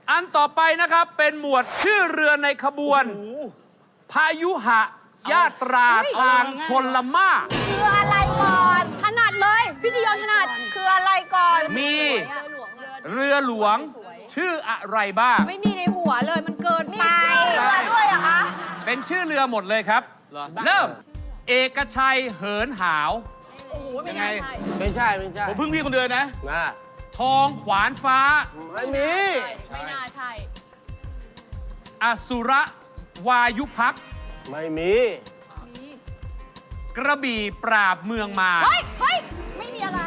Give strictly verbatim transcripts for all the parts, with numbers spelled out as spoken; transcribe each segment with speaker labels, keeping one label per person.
Speaker 1: อันต่อไปนะครับเป็นหมวดชื่อเรือในขบวนพายุหะยาตราทางชนละม่า
Speaker 2: คืออะไรก่อนถนัดเลยพี่จียอนถนัดคืออะไรก่อน
Speaker 1: มีเรือหลวงชื่ออะไรบ้าง
Speaker 2: ไม่มีในหัวเลยมันเกินไปมีชื่อเรือด้วยอะคะ
Speaker 1: เป็นชื่อเรือหมดเลยครับเริ่มเอกชัยเหินหาว
Speaker 2: โอ้โหไม่ใช่
Speaker 3: ไม่ใช่ไม่ใช่
Speaker 4: ผมพึ่งพี่คนเดียวนะ
Speaker 3: นะ
Speaker 1: ทองขวานฟ้า
Speaker 3: ไม่มี
Speaker 2: ไม่น่าใช่
Speaker 1: อสุรวายุพัก
Speaker 3: ไม่มี
Speaker 1: กระบี่ปราบเมืองมา
Speaker 2: เฮ้ยเฮ้ยไม่มีอะไร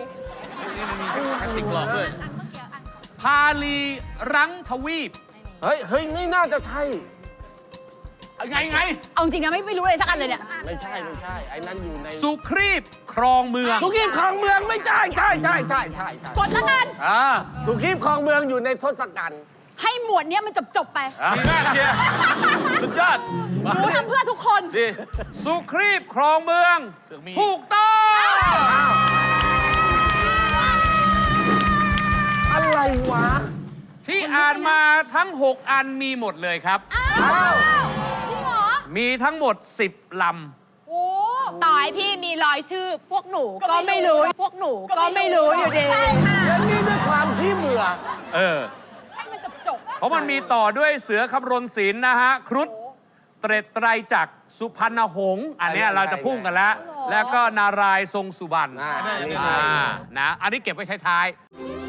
Speaker 4: ติดกรอบด้วย
Speaker 1: พาลีรังทวีป
Speaker 3: เฮ้ยเฮ้ยนี่น่าจะใช่
Speaker 4: ไงไง
Speaker 2: เอาจริงนะไม่ไม่รู้เลยสักอันเลยเนี่ย
Speaker 3: ไม่ใช่ไม่ใช่ไอ้นั้นอยู่ใน
Speaker 1: สุครีบครองเมือง
Speaker 3: สุขีบครองเมืองไม่ใช่ใช่ใช่ใช่ใช่ใช่
Speaker 2: กดแล้วกัน
Speaker 3: อ่าสุขีบครองเมืองอยู่ในทศกัณฐ์
Speaker 2: ให้หมวดเนี้ยมันจบจบไป
Speaker 4: ดีมากเชียร์สุดยอด
Speaker 2: หนูทำเพื่อทุกคน
Speaker 4: ดี
Speaker 1: สุครีบครองเมืองถูกต้อง
Speaker 3: อะไรวะ
Speaker 1: ที่อ่านมาทั้งหกอันมีหมดเลยครับ
Speaker 2: อ้าวจริงเหรอ
Speaker 1: มีทั้งหมดสิบล
Speaker 2: ำโอ้ต่อให้พี่มีรอยชื่อพวกหนูก็ไม่รู้พวกหนูก็ไม่รู้อยู่ดีใช่ค่ะ
Speaker 3: แล้วนี่ด้วยความที่เบื่อ
Speaker 1: เออ
Speaker 2: ให้มันจบจบ
Speaker 1: เพราะมันมีต่อด้วยเสือคำรณศิลป์นะฮะครุฑเตร็ดไตรจักรสุพรรณหงษ์อันนี้เราจะพุ่งกันแล้ว แล้วก็นารายณ์ทรงสุบรรณนะอันนี้เก็บไว้ท้ายๆ